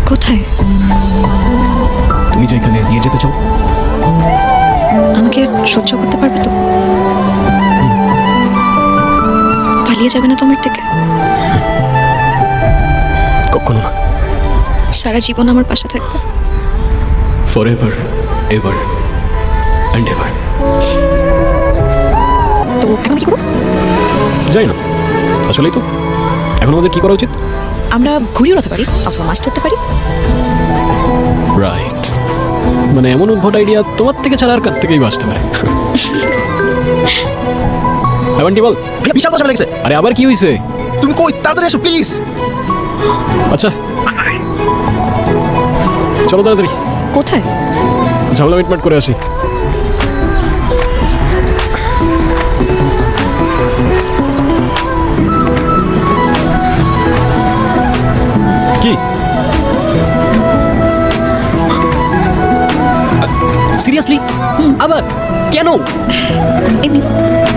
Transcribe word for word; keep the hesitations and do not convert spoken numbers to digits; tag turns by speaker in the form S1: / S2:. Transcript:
S1: কোথায়?
S2: তুমি যেখানে নিয়ে যেতে চাও।
S1: আমাকে সহ্য করতে পারবে তো? পালিয়ে যাবে না তোমার থেকে?
S2: কখনো না।
S1: সারা জীবন আমার পাশে থাকবে?
S2: For ever ever and ever.
S1: তো এখন কি করবো?
S2: যাই না, আসলেই তো এখন আমাদের কি করা উচিত?
S1: আমরা ঘুড়ি উড়াতে পারি অথবা মাছ ধরতে পারি।
S2: রাইট, মানে এমন উদ্ভট আইডিয়া তোমার থেকে ছাড়া আর কার থেকেই আসতে পারে। হ্যাঁ বান্টি বল।
S3: ভাইয়া বিশাল কথা লেগেছে।
S2: আরে আবার কি হয়েছে?
S3: তুমি কই, তাড়াতাড়ি এসো প্লিজ।
S2: আচ্ছা চলো তাড়াতাড়ি,
S1: কোথায়?
S2: ঝামেলা মিটমাট করে আসি। কি সিরিয়াসলি? আবার কেন?
S1: এমনি